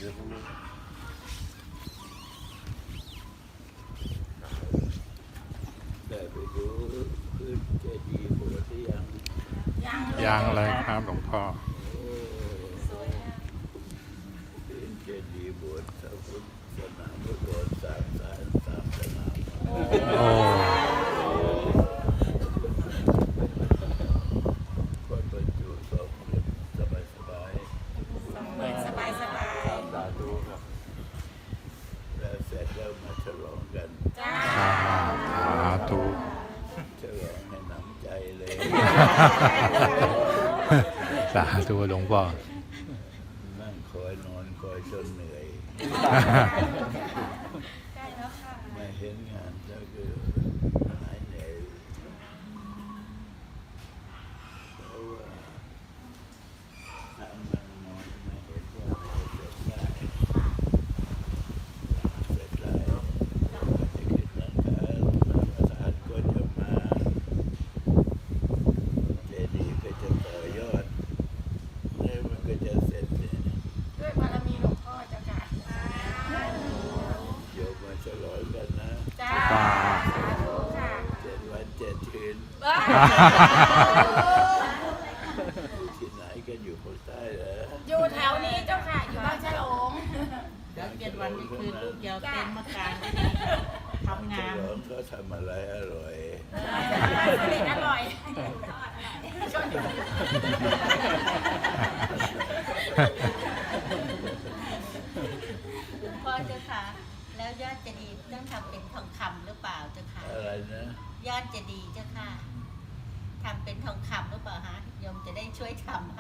ได้ไปดูพื้นเจดีย์โบสถ์ที่ยังเลยครับหลวงพ่อพื้นเจดีย์โบสถ์พุทธสนามพุทธโบสถ์สามสนามคนบรรจุสองคนสบายสบายตาดูครับแล้วเสร็จแล้วมาฉลองกันสาธุฉลองให้หนำใจเลยสาธุหลวงพ่อนั่งคอยนอนคอยจนเหนื่อยไม่เห็นงานแล้วก็หายเหนื่อยเพราะว่าทำมันนอนไม่เห็นว่าจะเสร็จได้แล้วก็จะขึ้นหลังคาประธานก็จะมาเจดีย์ก็จะต่อยอดแล้วมันก็จะเสร็จเนี่ยด้วยบารมีหลวงพ่อเจ้าค่ะโยมมาฉลองกันนะจ้าสาธุค่ะ 7 วัน 7 คืนที่ไหนกันอยู่ภาคใต้เหรออยู่แถวนี้เจ้าค่ะ อยู่บ้านฉลงแล้ว7 วันนี่คือลูกยาวเต็มมากลางทำฉงานลองเขาทำอะไรอร่อยผลิตอร่อยพ่อเจ้าค่ะ แล้วยอดเจดีย์ต้องทำเป็นทองคำหรือเปล่าเจ้าค่ะอะไรนะยอดเจดีย์เจ้าค่ะทำเป็นทองคำหรือเปล่าฮะโยมจะได้ช่วยทำให้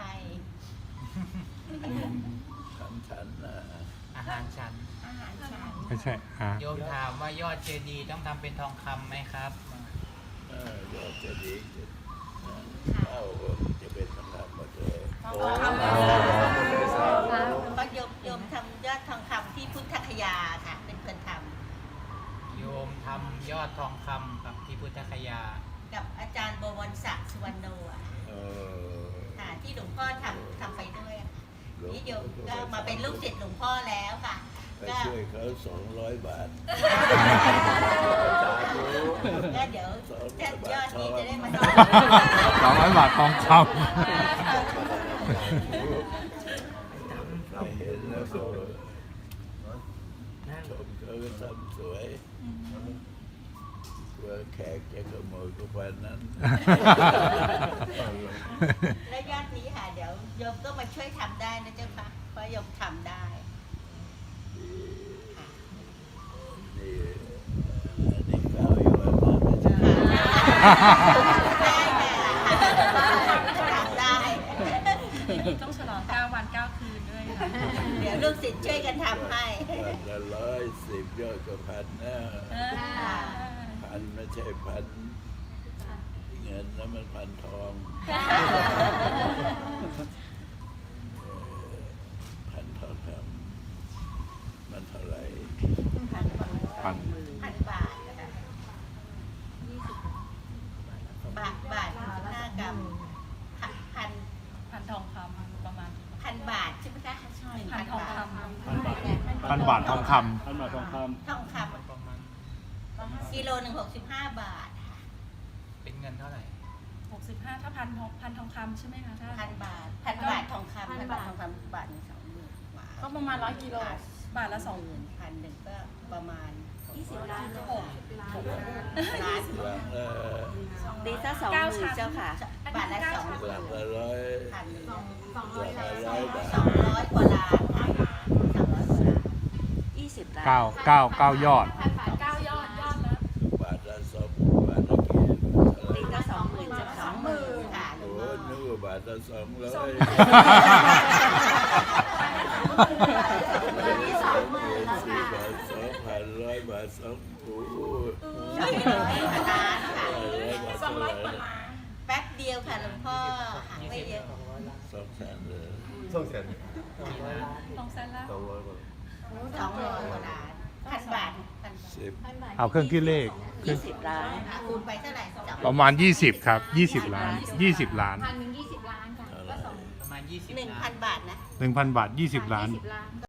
ทำฉันนะอาหารฉันอาหารฉันไม่ใช่โยมถามว่ายอดเจดีย์ต้องทำเป็นทองคำไหมครับยอดจะดีเข้าจะเป็นทองคำหมดเลยทองคำเพราะโยมทำยอดทองคำที่พุทธคยาค่ะ เป็นคนทโยมทำยอดทองคำกับที่พุทธคยาำกับอาจารย์บวรศักดิ์สุวรรณโนอะค่ะที่หลวงพ่อทำไปด้วยอะนี่โยมก็มาเป็นลูกศิษย์หลวงพ่อแล้วค่ะไปช่วยเขา200 บาทก็เดี๋ยวยอดนี้จะได้มา 200 บาททองคำไม่เห็นแล้วก็ชมเขาก็ทำสวยกลัวแขกจะขโมยก็วันนั้นและยอดนี้ค่ะเดี๋ยวโยมก็มาช่วยทำได้นะเจ้าค่ะเพราะโยมทำได้นี่อันนี้ข้าวอยู่ว่ามาไม่ใช่ทำได้ต้องฉลอง9 วัน 9 คืนด้วยค่ะเดี๋ยวลูกศิษย์ช่วยกันทำให้วันละ110 ยอดก็พันนะพันไม่ใช่พันเงินนะมันพันทองพันทองคำมันเท่าไหร่พัน 1,000 บาทนะคะบาท5 กรัมพันทองคำประมาณ 1,000 บาทใช่ไหมคะใช่พันทองคำ 1,000 บาททองคทองคำกิโลหนึ่ง65 บาทค่ะเป็นเงินเท่าไหร่ 65ถ้าพันทองคำใช่ไหมคะถ้า 1,000 บาททองคำ1,000 บาททองคำบาทหนึ่ง20,000 บาทก็ประมาณ100 กิโล บาทละ 1,000ก็ประมาณ20 ล้านหลังละดีซะ20,000เจ้าค่ะ บาทละ2 หลังละร้อยพันหลังละ100 บาท 200 กว่าล้านค่ะ200 กว่าล้าน20 ล้านำ9ยอด 9 ยอดละบาทละ2 บาทละกี่เท่าไหร่นี่ก็20,000จะ20,000ค่ะหลวโอ้งพ่อนึกว่าบาทละ200 นี่20,000แล้ว 4 ค่ะบาท 2,000 100 บาท2โอ้โห 200 กว่าล้านค่ะ 100 บาท 200 กว่าล้านแป๊บเดียวค่ะหลวงพ่อหาไม่เยอะ 200,000เลย 2 แสนละ 200 กว่าล้าน1,000 บาท 10 เอาเครื่องคิดเลข 20 ล้านคูณไปเท่าไหร่ประมาณ 20 ครับ 20 ล้าน 20 ล้าน 1,020 ล้านค่ะประมาณ 20 ล้าน 1,000 บาทนะ 1,000 บาท 20 ล้าน